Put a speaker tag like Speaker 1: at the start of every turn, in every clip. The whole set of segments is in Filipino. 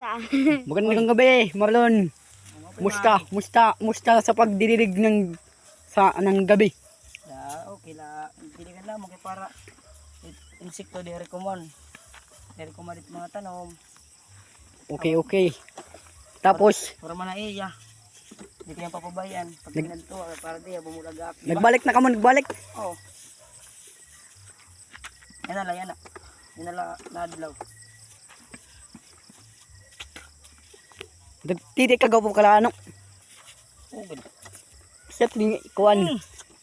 Speaker 1: Magandang gabi, Marlon. Musta sa pagdirilig ng gabi?
Speaker 2: Okay la, diligan lang kay para insekto di rekomon. Di rekomon dit mga tanom.
Speaker 1: Okay. Tapos
Speaker 2: Para man na iya. Di kaya papabayan pag ginadto para di bumulagak.
Speaker 1: nagbalik na kamo, nagbalik.
Speaker 2: Oh. Yan na. Yan na nadlaw.
Speaker 1: Dagtiti ka gapo kala ano.
Speaker 2: Oh, good.
Speaker 1: Set ni kuan.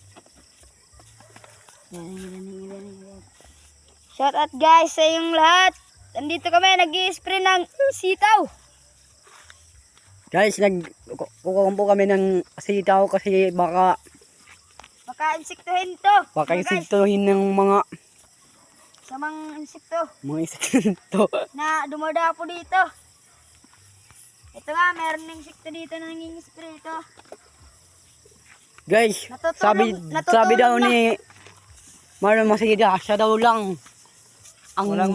Speaker 3: Shout out guys sa yung lahat. Nandito kami nag-i-spray ng sitaw.
Speaker 1: Guys, kukumpo kami ng sitaw kasi baka
Speaker 3: Insektuhin to.
Speaker 1: insektuhin ng mga
Speaker 3: Samang insekto
Speaker 1: insekto.
Speaker 3: na dumadapo dito. Ito nga, meron ng insekto dito na nangingispray ito.
Speaker 1: Guys,
Speaker 3: Natutulog
Speaker 1: sabi daw
Speaker 3: na.
Speaker 1: ni Marlon Masida, siya daw lang ang
Speaker 2: Walang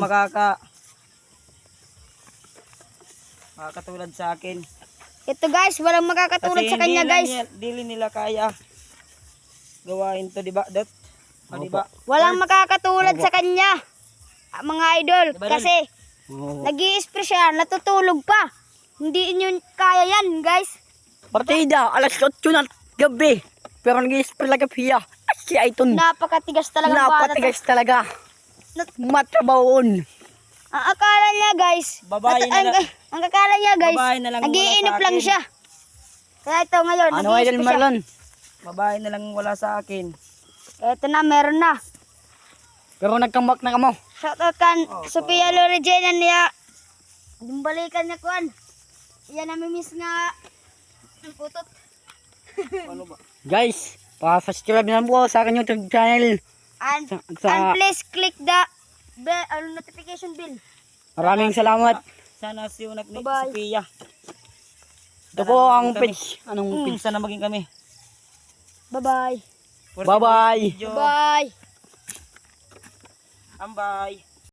Speaker 2: makakatulad sa akin.
Speaker 3: Ito guys, walang makakatulad sa kanya guys.
Speaker 2: Dili nila kaya gawain to, di ba? Di ba?
Speaker 3: Walang makakatulad sa kanya. Mga idol,
Speaker 2: Diba,
Speaker 3: kasi
Speaker 1: Oo.
Speaker 3: nag-i-spray siya, natutulog pa. Hindi inyo kaya yan guys.
Speaker 1: Partida, alas 8 na gabi. Pero nag-i-spray lang siya. Si Aiton.
Speaker 3: Napakatigas talaga.
Speaker 1: Napatigas talaga. Matrabaon.
Speaker 3: Ang akala niya guys,
Speaker 2: Babae na lang.
Speaker 3: ang akala niya guys,
Speaker 2: Babae na lang wala
Speaker 3: nag-iinip
Speaker 2: sa
Speaker 3: lang
Speaker 2: akin.
Speaker 3: siya. Kaya ito ngayon,
Speaker 1: Ano
Speaker 3: nag-i-spray
Speaker 1: idol
Speaker 3: siya.
Speaker 1: Marlon?
Speaker 2: Babae na lang wala sa akin.
Speaker 3: Ito na, meron na.
Speaker 1: Pero nagkambak na kamo.
Speaker 3: Shoutout kan Sophia Loregena niya. Dumbalikan niya kuan. Iyan namimiss nga ang putot.
Speaker 2: Ano ba?
Speaker 1: Guys, pa-subscribe na po sa akin YouTube channel.
Speaker 3: And
Speaker 1: Sa
Speaker 3: please click the notification bell.
Speaker 1: maraming salamat.
Speaker 2: Sana si Unak ni
Speaker 3: Bye-bye.
Speaker 2: Sophia.
Speaker 1: Ito po ang page. Anong page?
Speaker 2: Sana maging kami.
Speaker 3: Bye-bye.
Speaker 1: Bye-bye.
Speaker 3: Bye.
Speaker 2: Ambay.